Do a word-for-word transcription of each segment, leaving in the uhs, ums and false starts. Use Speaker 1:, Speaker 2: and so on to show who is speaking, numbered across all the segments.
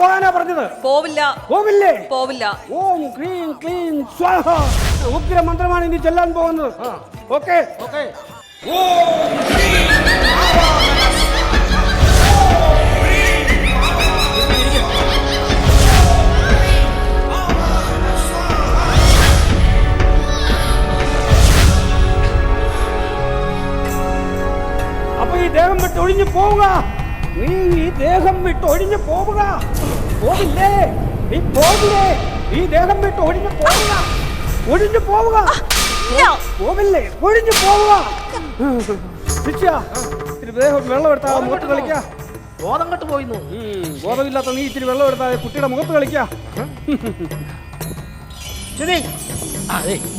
Speaker 1: പോകാനാ പറഞ്ഞത്.
Speaker 2: പോവില്ല.
Speaker 1: പോവില്ലേ?
Speaker 2: പോവില്ല.
Speaker 1: ഓം ക്ലീം ക്ലീം സ്വാഹ. ഉഗ്ര മന്ത്രമാണ് ഇനി ചെല്ലാൻ പോകുന്നത്. Okay okay. അപ്പൊ ഈ ദേഹം വിട്ട് ഒഴിഞ്ഞു പോവുക. നീ ഈ ദേഹം വിട്ട് ഒഴിഞ്ഞു പോവുക. പോവില്ലേ? നീ പോവില്ലേ? ഈ ദേഹം വിട്ട് ഒഴിഞ്ഞു പോവുക. ഒഴിഞ്ഞു പോവുക. പോവില്ലേ? ഒഴിഞ്ഞു പോവുക. ശിക്ഷ. ഇത്തിരി ദേഹം വെള്ളം എടുത്താൽ മുഖത്ത് കളിക്ക.
Speaker 3: ബോധം കെട്ട് പോയിന്നു.
Speaker 1: ബോധമില്ലാത്ത നീ ഇത്തിരി വെള്ളം എടുത്താൽ കുട്ടിയുടെ മുഖത്ത് കളിക്ക. ശരി.
Speaker 3: ആ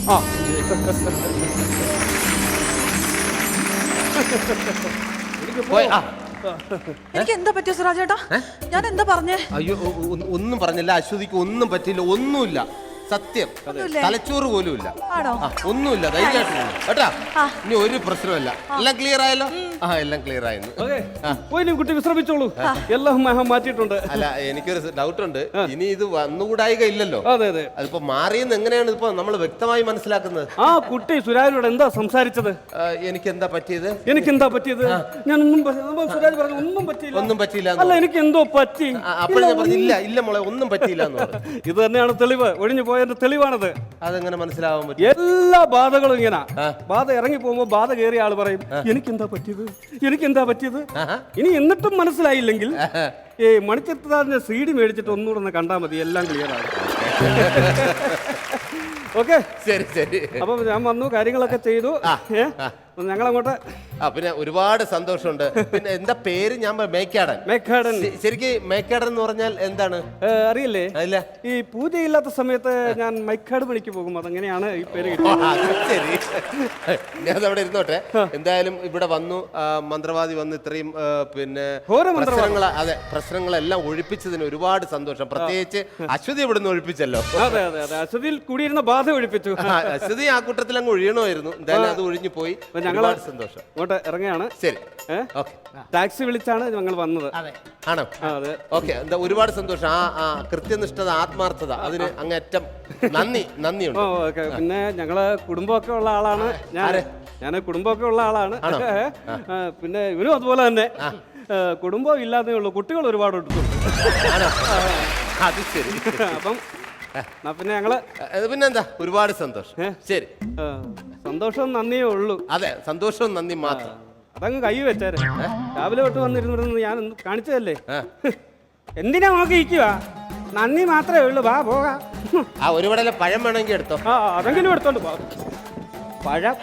Speaker 2: എനിക്ക് എന്താ പറ്റിയ സുരാജേട്ടാ? ഞാൻ എന്താ പറഞ്ഞേ?
Speaker 4: അയ്യോ ഒന്നും പറഞ്ഞില്ല. അശ്വതിക്ക് ഒന്നും പറ്റില്ല. ഒന്നുമില്ല. സത്യം. തലച്ചോറ് പോലും ഇല്ല. ഒന്നുമില്ല. ധൈര്യമായിട്ട് കേട്ടാ. ഇനി ഒരു പ്രശ്നമല്ല. എല്ലാം ക്ലിയർ ആയല്ലോ. ആ എല്ലാം ക്ലിയർ ആയിരുന്നു.
Speaker 1: പോയി കുട്ടി വിശ്രമിച്ചോളൂ. എല്ലാം മാറ്റിയിട്ടുണ്ട്.
Speaker 4: അല്ല എനിക്കൊരു ഡൗട്ട് ഉണ്ട്. ഇനി ഇത് വന്നുകൂടായിക ഇല്ലല്ലോ.
Speaker 1: അതെ അതെ.
Speaker 4: അതിപ്പോ മാറിയെന്ന് എങ്ങനെയാണ് ഇപ്പൊ നമ്മൾ വ്യക്തമായി മനസ്സിലാക്കുന്നത്?
Speaker 1: ആ കുട്ടി സുരാജിനോട് എന്താ സംസാരിച്ചത്?
Speaker 4: എനിക്ക് എന്താ പറ്റിയത്?
Speaker 1: എനിക്ക് എന്താ പറ്റിയത്? ഞാൻ ഒന്നും സുരാജ് പറഞ്ഞു ഒന്നും പറ്റിയില്ല.
Speaker 4: ഒന്നും പറ്റിയില്ല.
Speaker 1: അല്ല എനിക്ക് എന്തോ പറ്റി.
Speaker 4: അപ്പോൾ ഞാൻ പറഞ്ഞു ഇല്ല ഇല്ല മോളെ ഒന്നും പറ്റിയില്ല.
Speaker 1: ഇത് തന്നെയാണ് തെളിവ്. ഒഴിഞ്ഞു പോയതിന്റെ തെളിവാണത്.
Speaker 4: അതെങ്ങനെ മനസ്സിലാവാൻ പറ്റും?
Speaker 1: എല്ലാ ബാധകളും ഇങ്ങനെ ബാധ ഇറങ്ങി പോകുമ്പോ ബാധ കയറിയ ആള് പറയും എനിക്കെന്താ പറ്റിയത്, എനിക്കെന്താ പറ്റിയത്. ഇനി എന്നിട്ടും മനസ്സിലായില്ലെങ്കിൽ ഏ മണിച്ചിത്രത്താഴിന്റെ സി ഡി മേടിച്ചിട്ട് ഒന്നുകൂടെ ഒന്ന് കണ്ടാൽ മതി. എല്ലാം ക്ലിയർ ആണ്. ഓക്കെ
Speaker 4: ശരി ശരി.
Speaker 1: അപ്പൊ ഞാൻ വന്നു, കാര്യങ്ങളൊക്കെ ചെയ്തു. ഞങ്ങളങ്ങോട്ട്.
Speaker 4: ആ പിന്നെ ഒരുപാട് സന്തോഷമുണ്ട്. പിന്നെ എന്താ പേര്? ഞാൻ മേക്കാടൻ.
Speaker 1: മേക്കാടൻ.
Speaker 4: ശരിക്കും മേക്കാടൻ എന്ന് പറഞ്ഞാൽ എന്താണ്
Speaker 1: അറിയില്ലേ?
Speaker 4: അല്ല
Speaker 1: ഈ പൂജയില്ലാത്ത സമയത്ത് ഞാൻ മൈക്കാട് പണിക്ക് പോകും. അതെങ്ങനെയാണ് ഈ പേര്?
Speaker 4: ശരി, ഞാൻ അവിടെ ഇരുന്നോട്ടെ. എന്തായാലും ഇവിടെ വന്നു, മന്ത്രവാദി വന്ന് ഇത്രയും പിന്നെ പ്രശ്നങ്ങൾ അതെ പ്രശ്നങ്ങളെല്ലാം ഒഴിപ്പിച്ചതിന് ഒരുപാട് സന്തോഷം. പ്രത്യേകിച്ച് അശ്വതി ഇവിടുന്ന് ഒഴിപ്പിച്ചല്ലോ.
Speaker 1: അതെ അതെ അതെ. അശ്വതിയിൽ കൂടിയിരുന്ന ബാധ ഒഴിപ്പിച്ചു.
Speaker 4: അശ്വതി ആ കൂട്ടത്തിൽ അങ്ങ് ഒഴിയണമായിരുന്നു. എന്തായാലും അത് ഒഴിഞ്ഞു പോയി.
Speaker 1: ഞങ്ങൾ
Speaker 4: സന്തോഷം.
Speaker 1: ഇങ്ങോട്ട് ഇറങ്ങുകയാണ്.
Speaker 4: ശരി.
Speaker 1: ടാക്സി വിളിച്ചാണ് ഞങ്ങൾ വന്നത്.
Speaker 4: ആണോ? അതെ. ഓക്കെ. എന്താ ഒരുപാട് സന്തോഷം. ആ ആ കൃത്യനിഷ്ഠത, ആത്മാർത്ഥത, അതിന് അങ്ങേറ്റം നന്ദി നന്ദിയുണ്ട്.
Speaker 1: പിന്നെ ഞങ്ങള് കുടുംബമൊക്കെ ഉള്ള ആളാണ്. ഞാൻ ഞാൻ കുടുംബമൊക്കെ ഉള്ള ആളാണ്. പിന്നെ ഇവനും അതുപോലെ തന്നെ കുടുംബം ഇല്ലാതെ ഉള്ളൂ. കുട്ടികൾ ഒരുപാട് എടുത്തുണ്ട്.
Speaker 4: അത് ശരി.
Speaker 1: അപ്പം പിന്നെ ഞങ്ങള്
Speaker 4: പിന്നെന്താ ഒരുപാട് സന്തോഷം. ശരി.
Speaker 1: സന്തോഷവും നന്ദിയേ ഉള്ളൂ.
Speaker 4: അതെ സന്തോഷവും നന്ദി മാത്രം.
Speaker 1: അതങ്ങ് കൈ വെച്ചാരെ. രാവിലെ തൊട്ട് വന്നിരുന്നിരുന്നു ഞാൻ കാണിച്ചതല്ലേ. എന്തിനാ നോക്കി ഇരിക്കുക? നന്ദി മാത്രമേ ഉള്ളൂ. വാ പോകാം.
Speaker 4: ആ ഒരു വടല പഴം വേണമെങ്കിൽ എടുത്തോ.
Speaker 1: ആ അതെങ്കിലും എടുത്തോണ്ട് പോ. പഴം